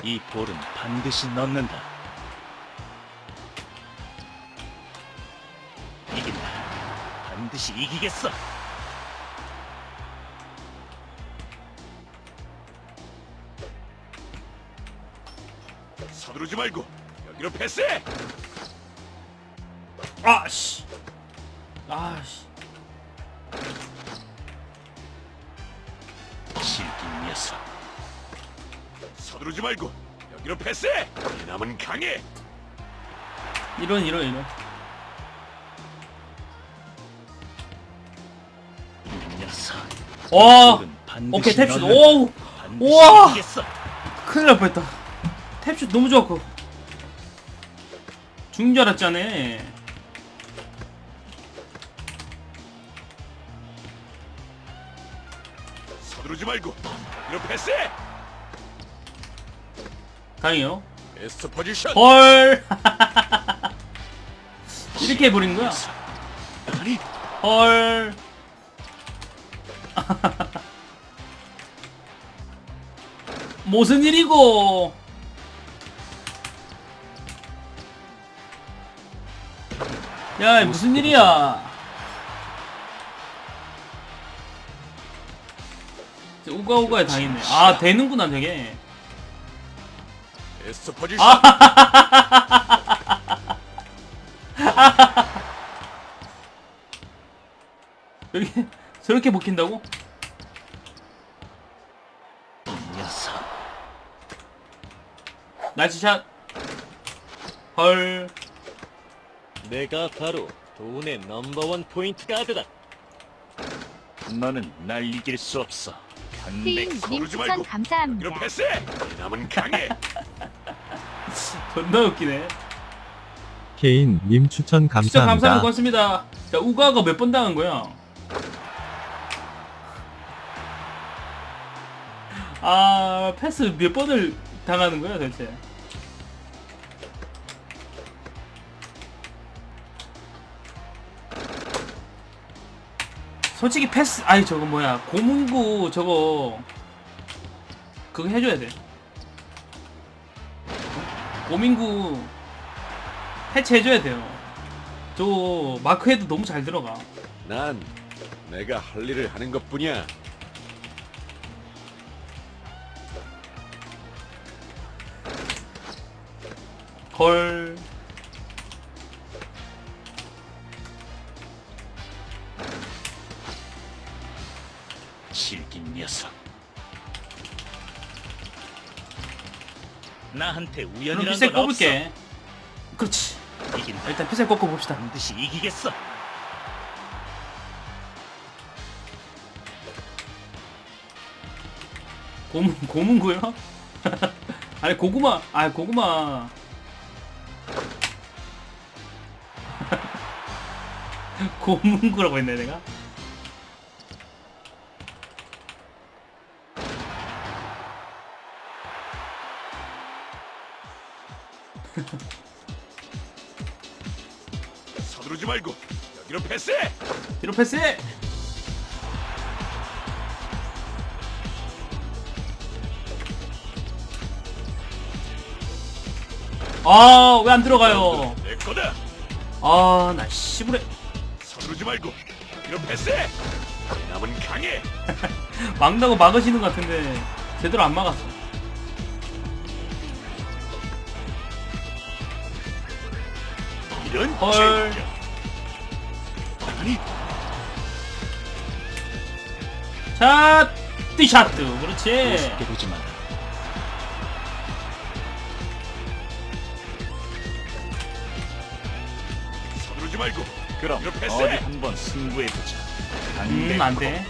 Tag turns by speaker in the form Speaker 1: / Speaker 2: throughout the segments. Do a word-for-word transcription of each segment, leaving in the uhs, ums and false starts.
Speaker 1: 이 볼은 반드시 넣는다. 이긴다. 반드시 이기겠어.
Speaker 2: 서두르지 말고 여기로 패스해.
Speaker 3: 아씨. 아씨.
Speaker 1: 질긴 녀석.
Speaker 2: 서두르지 말고 여기로 패스해. 이 남은 강해.
Speaker 3: 이런 이런 이런.
Speaker 1: 이 녀석.
Speaker 3: 와.
Speaker 1: 볼은 반드시
Speaker 3: 오케이 탭슛.
Speaker 1: 넣는다.
Speaker 3: 오우.
Speaker 1: 반드시
Speaker 3: 우와.
Speaker 1: 이기겠어.
Speaker 3: 큰일 날 뻔했다. 탭슛 너무 좋았고. 죽는 줄 알았잖아.
Speaker 2: 서두르지 말고 여기로 패스해.
Speaker 3: 다행이요.
Speaker 2: 베스트 포지션.
Speaker 3: 헐. 이렇게 해버린 거야.
Speaker 1: 아니,
Speaker 3: 헐. 무슨 일이고? 야, 무슨 일이야? 우가우가에 당했네. 아, 되는구나, 되게.
Speaker 2: 베스트 포지션.
Speaker 3: 여기 저렇게 먹힌다고?
Speaker 1: 이 녀석.
Speaker 3: 나이스 샷. 헐.
Speaker 1: 내가 바로 돈의 넘버원 포인트 가드다. 너는 날 이길 수 없어.
Speaker 4: 피인님
Speaker 1: 강백호.
Speaker 2: 서두르지
Speaker 4: 추천
Speaker 2: 말고
Speaker 4: 감사합니다.
Speaker 2: 여기로 패스해. 이 남은 강해.
Speaker 3: 존나 웃기네.
Speaker 5: 케인님 추천
Speaker 3: 진짜
Speaker 5: 감사합니다.
Speaker 3: 감사합니다. 고맙습니다. 자, 우가가 몇 번 당한 거야? 아, 패스 몇 번을 당하는 거야, 대체? 솔직히 패스, 아니 저거 뭐야, 고문구 저거 그거 해줘야 돼. 고민구 해체해줘야 돼요. 저 마크헤드 너무 잘 들어가.
Speaker 2: 난 내가 할 일을 하는 것뿐이야.
Speaker 3: 걸.
Speaker 1: 질긴 녀석. 나한테
Speaker 3: 그럼
Speaker 1: 우연이란
Speaker 3: 피셀
Speaker 1: 건 없어.
Speaker 3: 꼽을게. 그렇지.
Speaker 1: 이긴다.
Speaker 3: 일단 피셀 꼽고 봅시다.
Speaker 1: 반드시 이기겠어.
Speaker 3: 고문 고문구요? 아니 고구마. 아 고구마. 고문구라고 했네 내가.
Speaker 2: 서두르지 말고 여기로 패스해.
Speaker 3: 뒤로 패스해. 아, 왜 안 들어가요?
Speaker 2: 내 거다.
Speaker 3: 아, 나 씨부레.
Speaker 2: 서두르지 말고 여기로 패스해. 이 남은 강해.
Speaker 3: 막다고 막으시는 것 같은데 제대로 안 막았어.
Speaker 2: 이런
Speaker 3: 헐.
Speaker 2: 젠장.
Speaker 1: 아니,
Speaker 3: 샷! 띠샷! 그렇지.
Speaker 1: 우습게 보지 마.
Speaker 2: 서두르지 말고
Speaker 1: 그럼
Speaker 2: 여기로
Speaker 1: 어디
Speaker 2: 패스해.
Speaker 1: 한번 승부해 보자.
Speaker 3: 음, 안 돼.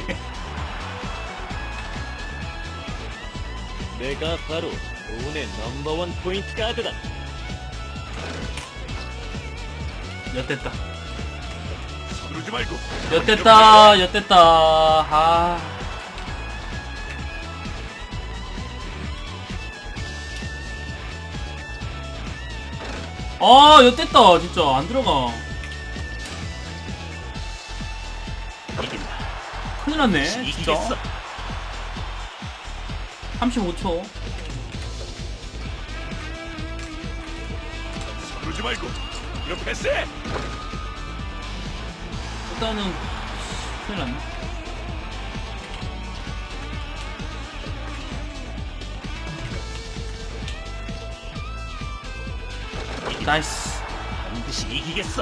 Speaker 1: 내가 바로 돈의 넘버원 포인트 가드다.
Speaker 3: 엿됐다.
Speaker 2: 서두르지 말고
Speaker 3: 엿됐다. 엿됐다. 아. 아, 엿됐다. 진짜. 안 들어가.
Speaker 1: 이긴다.
Speaker 3: 큰일 났네. 진짜.
Speaker 1: 이기겠어.
Speaker 3: 삼십오 초.
Speaker 2: 서두르지 말고 이거 패스해.
Speaker 3: 일단은 큰일 났네. 나이스.
Speaker 1: 반드시 이기겠어.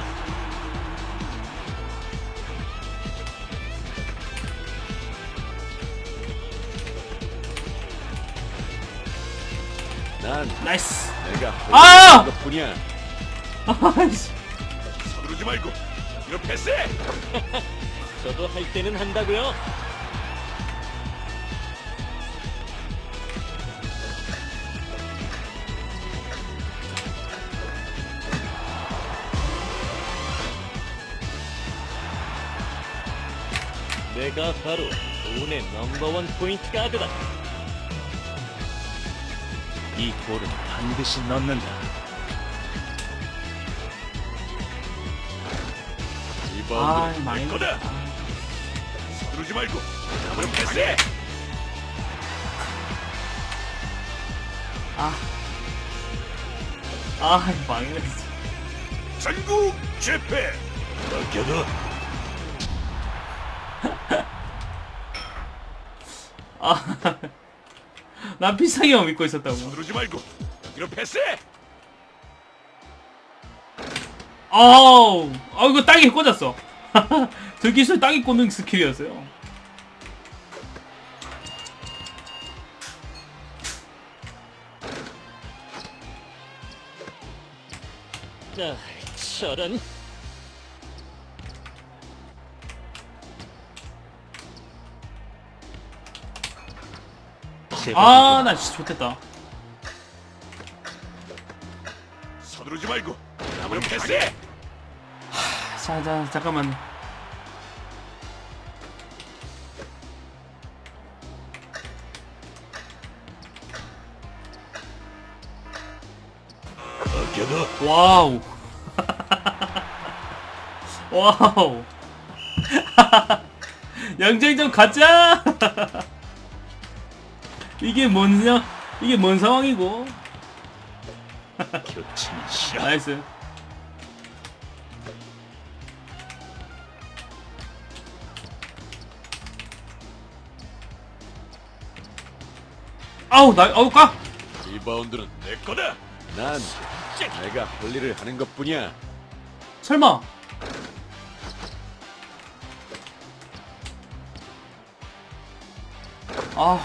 Speaker 2: 난
Speaker 3: 나이스.
Speaker 2: 내가
Speaker 3: 아!
Speaker 2: 것뿐이야.
Speaker 3: 아이씨.
Speaker 2: 서두르지 말고 이거 패스해.
Speaker 1: 저도 할 때는 한다고요. 내가 바로 운의 넘버원 포인트 가드다. 이 골은 반드시 넣는다.
Speaker 3: 아,
Speaker 2: 리바운드는
Speaker 3: 많이
Speaker 2: 내 거다.
Speaker 3: 넣었다.
Speaker 2: 서두르지 말고 남은 패스해.
Speaker 3: 아. 아, 망했네.
Speaker 2: 전국 재패. 맡겨둬.
Speaker 3: 아. 난 비싸게만 믿고 있었다고.
Speaker 2: 서두르지 말고 이거 패스해.
Speaker 3: 아우. 아, 이거 땅에 꽂았어. 저 기술 땅에 꽂는 스킬이었어요.
Speaker 1: 자, 저런.
Speaker 3: 아, 나 진짜 좋겠다.
Speaker 2: 서두르지 말고 남은 패스해.
Speaker 3: 자, 자, 잠깐만.
Speaker 2: 맡겨둬.
Speaker 3: 와우. 와우. 양정점 가자. 이게 뭔, 이게 뭔 상황이고.
Speaker 2: 교체는 싫어.
Speaker 3: 나이스. 아우, 나, 아우, 까!
Speaker 2: 리바운드는 내 거다. 난 내가 할 일을 하는 것뿐이야.
Speaker 3: 설마. 아.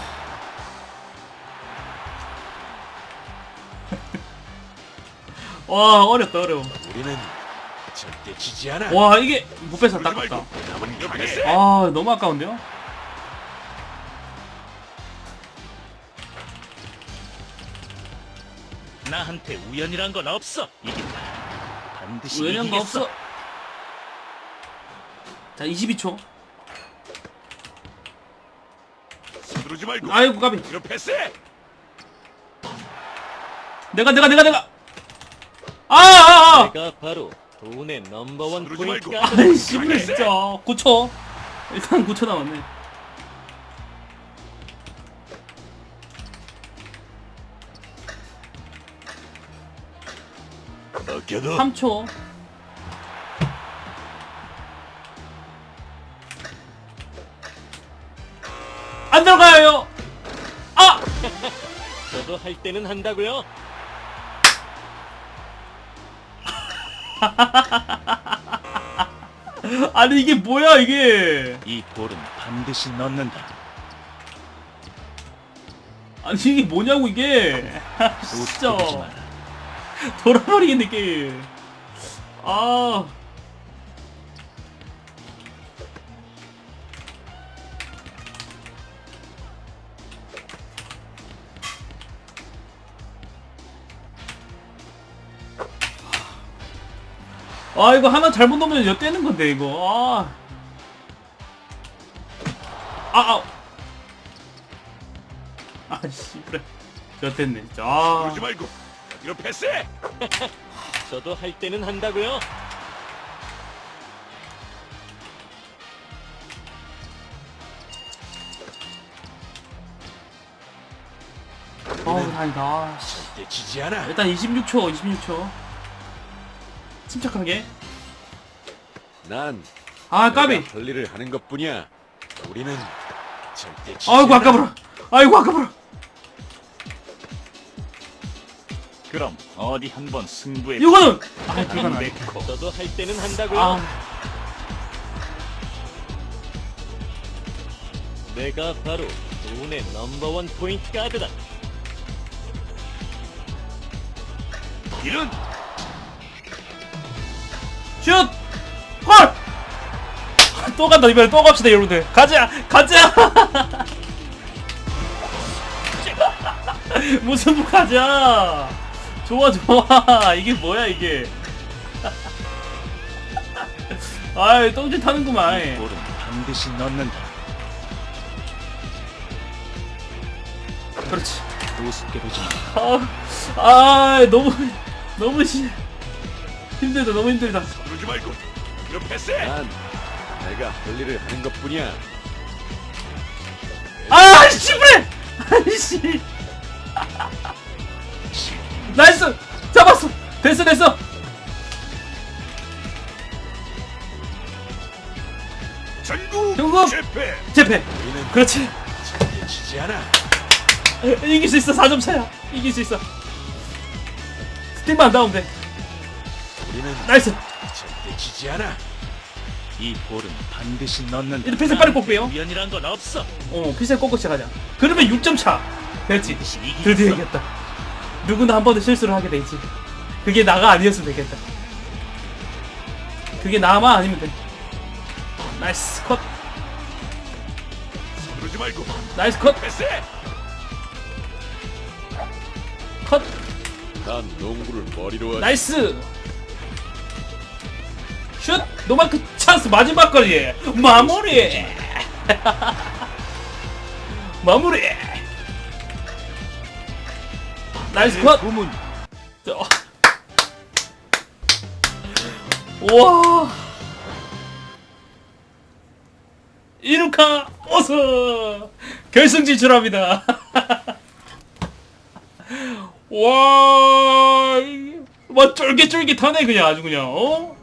Speaker 3: 와, 어렵다, 어려워.
Speaker 2: 우리는 절대 지지 않아.
Speaker 3: 와, 이게 못 뺏어
Speaker 2: 서두르지
Speaker 3: 닦았다.
Speaker 2: 말고 남은 강해.
Speaker 3: 아, 너무 아까운데요?
Speaker 1: 나한테 우연이란 건 없어. 이긴다. 반드시
Speaker 3: 우연한 거
Speaker 1: 이기겠어.
Speaker 3: 없어. 자, 이십이 초.
Speaker 2: 서두르지 말고
Speaker 3: 아이고, 까비.
Speaker 2: 이거 패스해.
Speaker 3: 내가, 내가, 내가, 내가. 아, 아, 아.
Speaker 1: 내가 바로 운의 넘버원
Speaker 2: 서두르지
Speaker 1: 포인트
Speaker 2: 말고.
Speaker 1: 가드다.
Speaker 3: 아이씨, 그래, 진짜. 구 초. 일단 구 초 남았네.
Speaker 2: 맡겨둬.
Speaker 3: 삼 초. 안 들어가요. 아!
Speaker 1: 저도 할 때는 한다고요.
Speaker 3: 아니, 이게 뭐야, 이게.
Speaker 1: 이 볼은 반드시 넣는다.
Speaker 3: 아니, 이게 뭐냐고, 이게. 아, 진짜.
Speaker 1: 웃기지 마라.
Speaker 3: 돌아버리겠네, 게임. 아. 아, 이거 하나 잘못 넣으면 엿대는 건데, 이거. 아. 아, 아. 아씨, 그래. 엿됐네, 진짜. 아.
Speaker 2: 서두르지 말고 이거 패스해.
Speaker 1: 저도 할 때는 한다고요.
Speaker 3: 어우, 다행이다. 아, 씨.
Speaker 2: 절대 지지 않아.
Speaker 3: 일단 이십육 초, 이십육 초. 침착하게.
Speaker 2: 난
Speaker 3: 아 까비.
Speaker 2: 내가 할 일을 하는 것뿐이야. 우리는 절대 지지
Speaker 3: 아이고
Speaker 2: 않아.
Speaker 3: 아까불어. 아이고 아까불어.
Speaker 4: 그럼 어디 한번 승부에
Speaker 3: 이거는 아 불가능.
Speaker 4: 맺고
Speaker 1: 저도 할 때는 한다고요.
Speaker 3: 아
Speaker 1: 내가 바로 운의 넘버원 포인트 가드다.
Speaker 2: 이런
Speaker 3: 슛! 헐! 또 간다 이번에 또 갑시다 여러분들. 가자 가자. 무슨 부 가자. 좋아 좋아. 이게 뭐야 이게. 아이 똥질 타는구만.
Speaker 4: 볼은 반드시 넣는다.
Speaker 3: 그렇지.
Speaker 4: 우습게 보지 마.
Speaker 3: 아, 아 너무 너무 시, 힘들다 너무 힘들다.
Speaker 2: 그러지 말고 이런 패스해. 난 내가 할 일을 하는 것뿐이야.
Speaker 3: 아 씨부레. 아이씨. 나이스 잡았어. 됐어 됐어.
Speaker 2: 전국
Speaker 3: 전국!
Speaker 2: 실패.
Speaker 3: 재패.
Speaker 2: 우리는
Speaker 3: 그렇지.
Speaker 2: 절대 지지 않아.
Speaker 3: 이길 수 있어. 사 점 차야. 이길 수 있어. 스틱만 안 나오면 돼.
Speaker 2: 우리는
Speaker 3: 나이스.
Speaker 2: 절대 지지 않아.
Speaker 4: 이 볼은 반드시 넣는다.
Speaker 3: 이제 피스 빨리 뽑게요.
Speaker 4: 우연이란 건 없어.
Speaker 3: 어 피스 꺾고 시작하자. 그러면 육 점 차. 됐지.
Speaker 4: 반드시 이기겠어.
Speaker 3: 드디어 이겼다. 누구나 한 번은 실수를 하게 되지. 그게 나가 아니었으면 되겠다. 그게 나만 아니면 돼. 나이스 컷.
Speaker 2: 그러지 말고
Speaker 3: 나이스 컷.
Speaker 2: 패스해.
Speaker 3: 컷.
Speaker 2: 난 농구를 머리로 하지.
Speaker 3: 나이스. 슛. 노마크 찬스 마지막 거리. 마무리. 마무리. 나이스 컷.
Speaker 4: 고문.
Speaker 3: 저- 우와. 이루카 어서 결승 진출합니다. 와, 막 쫄깃쫄깃하네 그냥 아주 그냥 어?